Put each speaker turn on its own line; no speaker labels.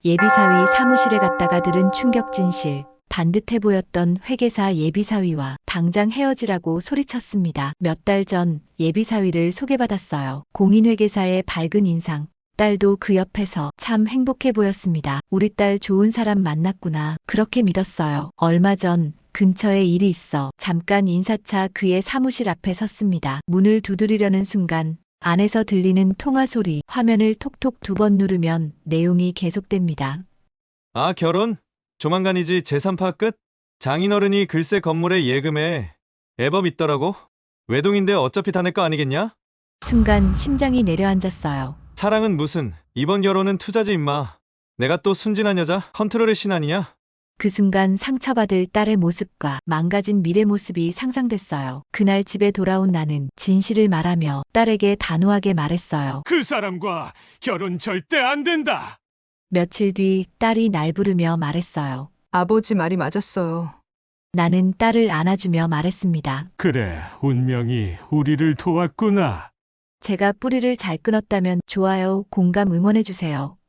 예비사위 사무실에 갔다가 들은 충격 진실. 반듯해 보였던 회계사 예비사위와 당장 헤어지라고 소리쳤습니다. 몇 달 전 예비사위를 소개받았어요. 공인회계사의 밝은 인상. 딸도 그 옆에서 참 행복해 보였습니다. 우리 딸 좋은 사람 만났구나. 그렇게 믿었어요. 얼마 전 근처에 일이 있어 잠깐 인사차 그의 사무실 앞에 섰습니다. 문을 두드리려는 순간 안에서 들리는 통화 소리, 화면을 톡톡 2번 누르면 내용이 계속됩니다.
아, 결혼? 조만간이지 재산 파악 끝? 장인어른이 글쎄 건물에 예금에 애법 있더라고? 외동인데 어차피 다 내 거 아니겠냐?
순간 심장이 내려앉았어요.
사랑은 무슨, 이번 결혼은 투자지 임마. 내가 또 순진한 여자? 컨트롤의 신 아니냐?
그 순간 상처받을 딸의 모습과 망가진 미래 모습이 상상됐어요. 그날 집에 돌아온 나는 진실을 말하며 딸에게 단호하게 말했어요.
그 사람과 결혼 절대 안 된다.
며칠 뒤 딸이 날 부르며 말했어요.
아버지 말이 맞았어요.
나는 딸을 안아주며 말했습니다.
그래, 운명이 우리를 도왔구나.
제가 뿌리를 잘 끊었다면 좋아요, 공감 응원해주세요.